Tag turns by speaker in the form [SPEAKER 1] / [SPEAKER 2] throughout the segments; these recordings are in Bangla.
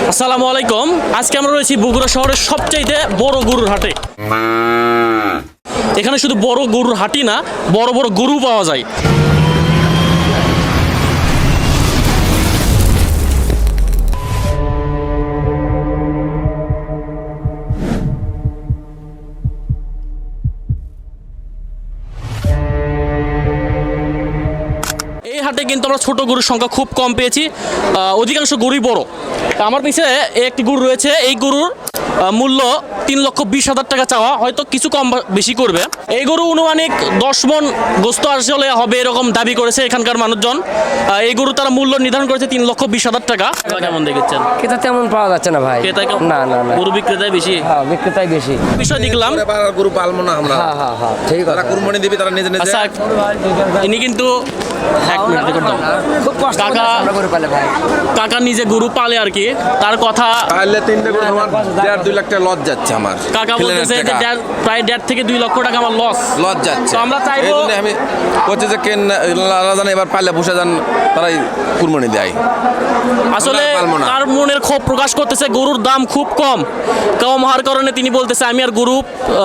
[SPEAKER 1] আসসালামু আলাইকুম। আজকে আমরা রয়েছি বগুড়া শহরের সবচাইতে বড় গরুর হাটে। এখানে শুধু বড় গরুর হাটই না, বড় বড় গরু পাওয়া যায়। এই হাটে কিন্তু আমরা ছোট গরুর সংখ্যা খুব কম পেয়েছি, অধিকাংশ গরুই বড়। আমার পিছনে একটি গরু রয়েছে, এই গরুর মূল্য 3,20,000 টাকা চাওয়া, হয়তো কিছু কম বেশি করবে। এই গরু অনুমানিক 10 মন গোস্ত আসলে হবে এরকম দাবি করেছে এখানকার মানুষজন। এই গরু তারা মূল্য নির্ধারণ করেছে 3,20,000 টাকা। কেমন দেখেছেন?
[SPEAKER 2] ক্রেতা তেমন পাওয়া যাচ্ছে না ভাই।
[SPEAKER 1] ক্রেতা কম?
[SPEAKER 2] না না না,
[SPEAKER 1] গরু বিক্রেতাই বেশি।
[SPEAKER 2] হ্যাঁ, বিক্রেতাই বেশি।
[SPEAKER 1] বিষয় দেখলাম
[SPEAKER 3] গরু পালবো না আমরা।
[SPEAKER 2] হ্যাঁ ঠিক আছে।
[SPEAKER 3] তারা কুরবানি দিবে, তারা নিজে নিজে।
[SPEAKER 1] আচ্ছা, ইনি কিন্তু এক মিনিট দেখুন তো।
[SPEAKER 2] খুব কষ্ট
[SPEAKER 1] কাকা
[SPEAKER 2] করে পালে ভাই।
[SPEAKER 1] কাকা নিজে গরু পালে আর কি, তার কথা
[SPEAKER 3] পারলে 3টে গরু আমার 1.5-2 লাখ টাকা লস যাচ্ছে আমার।
[SPEAKER 1] কাকা বলতেছে যে প্রায় 1.5 থেকে 2 লক্ষ টাকা আমার লস
[SPEAKER 3] যাচ্ছে।
[SPEAKER 1] তো আমরা চাইবো,
[SPEAKER 3] এই জন্য আমি বলছি যে কেন জানে এবার পারলে বসে যান, তারাই কুরবানি দেয়।
[SPEAKER 1] আসলে
[SPEAKER 3] আমরা পালবো না।
[SPEAKER 1] তার মনের ক্ষোভ প্রকাশ করতেছে। গরুর দাম খুব কম হওয়ার কারণে তিনি বলতেছে আমি আর গরু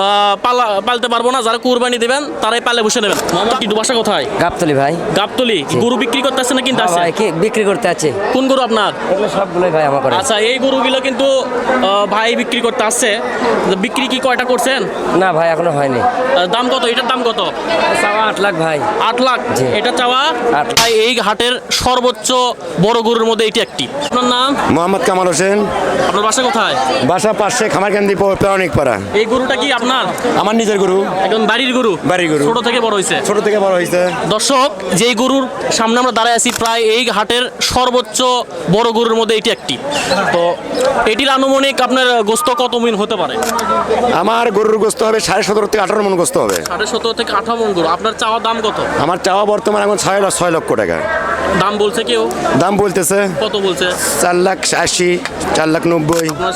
[SPEAKER 1] পালতে পারবো না, যারা কুরবানি দেবেন তারাই পালে বসে নেবেন। মোহাম্মদ কি বাসা কোথায়?
[SPEAKER 2] গাবতলি ভাই।
[SPEAKER 1] গাবতলি। গরু বিক্রি করতে আসছে না কিনতে আসছে?
[SPEAKER 2] ভাই কি বিক্রি করতে আছে?
[SPEAKER 1] কোন গরু আপনার?
[SPEAKER 2] এগুলো সবগুলোই ভাই আমার করে।
[SPEAKER 1] আচ্ছা, এই গরুগুলো কিন্তু ভাই বিক্রি করতে আসছে। বিক্রি কি কয়টা করছেন?
[SPEAKER 2] না ভাই এখনো হয়নি।
[SPEAKER 1] দাম কত? এটার দাম কত?
[SPEAKER 2] চাওয়া 8 লাখ ভাই।
[SPEAKER 1] 8 লাখ।
[SPEAKER 2] জি।
[SPEAKER 1] এটা চাওয়া
[SPEAKER 2] 8 লাখ।
[SPEAKER 1] ভাই, এই হাটের সর্বোচ্চ বড় গরুর মধ্যে এটি একটি। আপনার নাম?
[SPEAKER 4] মোহাম্মদ কামাল হোসেন।
[SPEAKER 1] আপনার বাসা কোথায়?
[SPEAKER 4] বাসা পাশে খামারকান্দি প্রাণিক পাড়া।
[SPEAKER 1] এই গরুটা কি আপনার?
[SPEAKER 4] আমার নিজের গরু।
[SPEAKER 1] একদম বাড়ির গরু?
[SPEAKER 4] বাড়ির গরু।
[SPEAKER 1] ছোট থেকে বড় হয়েছে?
[SPEAKER 4] ছোট থেকে বড় হয়েছে।
[SPEAKER 1] দর্শক, যেই গরুর সামনে আমরা দাঁড়ায় আছি, প্রায় এই হাটের সর্বোচ্চ বড় গরুর মধ্যে এটি একটি। তো এটির আনুমানিক আপনার গোস্ত কত মিন হতে পারে?
[SPEAKER 4] আমার গরুর গোস্ত হবে 17.5 থেকে 18 মন গোস্ত হবে।
[SPEAKER 1] 17.5 থেকে 18 মন গরু। আপনার চাওয়া দাম কত?
[SPEAKER 4] আমার চাওয়া বর্তমান এখন 6 লক্ষ টাকা
[SPEAKER 1] দাম বলছে কেউ?
[SPEAKER 4] দাম বলতেছে।
[SPEAKER 1] কত বলছে?
[SPEAKER 4] 4,80,000, 4,90,000।
[SPEAKER 1] আপনার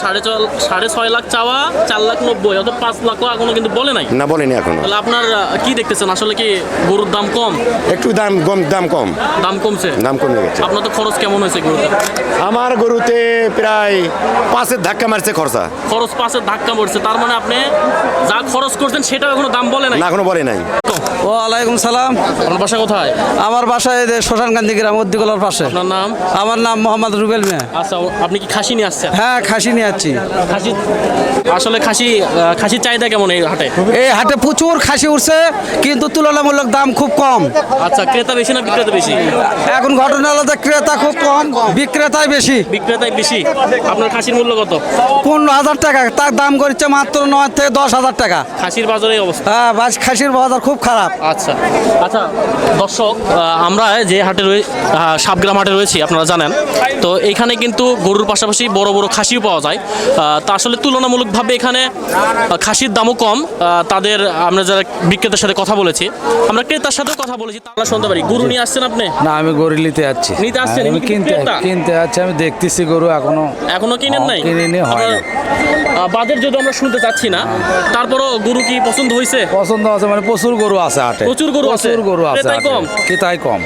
[SPEAKER 1] 6.5 লাখ চাওয়া, 4,90,000, অত 5 লাখ এখনো কিন্তু বলে নাই।
[SPEAKER 4] না, বলেনি এখনো।
[SPEAKER 1] তাহলে আপনার কি দেখতেছেন, আসলে কি গরুর দাম কম?
[SPEAKER 4] একটু দাম কম।
[SPEAKER 1] দাম কমছে?
[SPEAKER 4] দাম কমে গেছে।
[SPEAKER 1] আপনার তো খরচ কেমন হয়েছে গরুতে?
[SPEAKER 4] আমার গরুতে প্রায় 5-এর ধাক্কা মারছে খরচা।
[SPEAKER 1] খরচ 5-এর ধাক্কা পড়ছে, তার মানে আপনি যা খরচ করছেন সেটা এখনো দাম বলে নাই।
[SPEAKER 4] না, এখনো বলে নাই।
[SPEAKER 5] ওয়ালাইকুম সালাম।
[SPEAKER 1] আপনার বাসা কোথায়?
[SPEAKER 5] আমার বাসায় শ্মশানকান্দি গ্রাম, উদ্দিকলার পাশে।
[SPEAKER 1] আপনার নাম?
[SPEAKER 5] আমার নাম মোহাম্মদ রুবেল মিয়া।
[SPEAKER 1] আচ্ছা, আপনি কি খাসি নিয়ে আসছেন?
[SPEAKER 5] হ্যাঁ, খাসি নিয়ে যাচ্ছি।
[SPEAKER 1] খাসি আসলে খাসির চাহিদা কেমন এই হাটে?
[SPEAKER 5] এই হাটে প্রচুর খাসি উঠছে, কিন্তু তুলনামূলক দাম খুব কম।
[SPEAKER 1] আচ্ছা, ক্রেতা বেশি না বিক্রেতা বেশি?
[SPEAKER 5] এখন ঘটনা হলো যে ক্রেতা খুব কম, বিক্রেতাই বেশি।
[SPEAKER 1] বিক্রেতাই বেশি। আপনার খাসির মূল্য কত?
[SPEAKER 5] 15,000 টাকা, তার দাম করছে মাত্র 9 থেকে 10,000 টাকা।
[SPEAKER 1] খাসির বাজারে এই অবস্থা?
[SPEAKER 5] হ্যাঁ, খাসির বাজার খুব খারাপ।
[SPEAKER 1] আচ্ছা আচ্ছা, দর্শক, আমরা যে হাটে সাবগ্রাম হাটে রয়েছি আপনারা জানেন, তো এইখানে কিন্তু গরুর পাশাপাশি বড় বড় খাসিও পাওয়া যায়। তা আসলে তুলনামূলকভাবে এখানে খাসির দামও কম। তাদের আমরা যারা বিক্রেতার সাথে কথা বলেছি, আমরা ক্রেতার সাথেও কথা বলেছি, তারা শুনতে পারি। গরু নিয়ে আসছেন আপনি?
[SPEAKER 5] না, আমি গরু নিতে যাচ্ছি।
[SPEAKER 1] নিতে আসছেন?
[SPEAKER 5] আমি কিনতে যাচ্ছি। আমি দেখতেছি গরু
[SPEAKER 1] এখনো কিনেন নাই?
[SPEAKER 5] কিনিনি, হয় না।
[SPEAKER 1] বাজার যদি আমরা শুনতে চাচ্ছি না, তারপরও গরু কি পছন্দ হয়েছে?
[SPEAKER 5] পছন্দ আছে, মানে প্রচুর গরু আছে হাটে।
[SPEAKER 1] প্রচুর গরু আছে?
[SPEAKER 5] প্রচুর গরু আছে
[SPEAKER 1] ক্রেতাই
[SPEAKER 5] হাটে।
[SPEAKER 1] কম?
[SPEAKER 5] ক্রেতাই কম।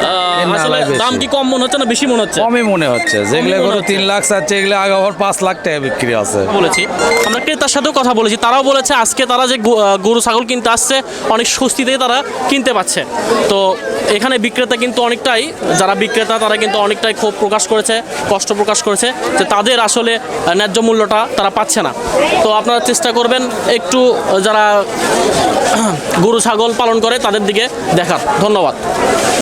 [SPEAKER 1] আসলে দাম কি কম মনে হচ্ছে না বেশি মনে হচ্ছে?
[SPEAKER 5] কমই মনে হচ্ছে। যেগুলো
[SPEAKER 1] মনে
[SPEAKER 5] গরু
[SPEAKER 1] হচ্ছে।
[SPEAKER 5] 3 লাখ চাচ্ছে, এগুলো আগে আবার 5 লাখ টাকা বিক্রি আছে।
[SPEAKER 1] বলেছি, আমরা ক্রেতার সাথেও কথা বলেছি, তারাও বলেছে আজকে তারা যে গরু ছাগল কিনতে আসছে অনেক স্বস্তিতেই তারা কিনতে পাচ্ছে। তো এখানে বিক্রেতা কিন্তু অনেকটাই, যারা বিক্রেতা তারা কিন্তু অনেকটাই ক্ষোভ প্রকাশ করেছে, কষ্ট প্রকাশ করেছে যে তাদের আসলে ন্যায্য মূল্যটা তারা পাচ্ছে না। তো আপনারা চেষ্টা করবেন একটু যারা গরু ছাগল পালন করে তাদের দিকে দেখার। ধন্যবাদ।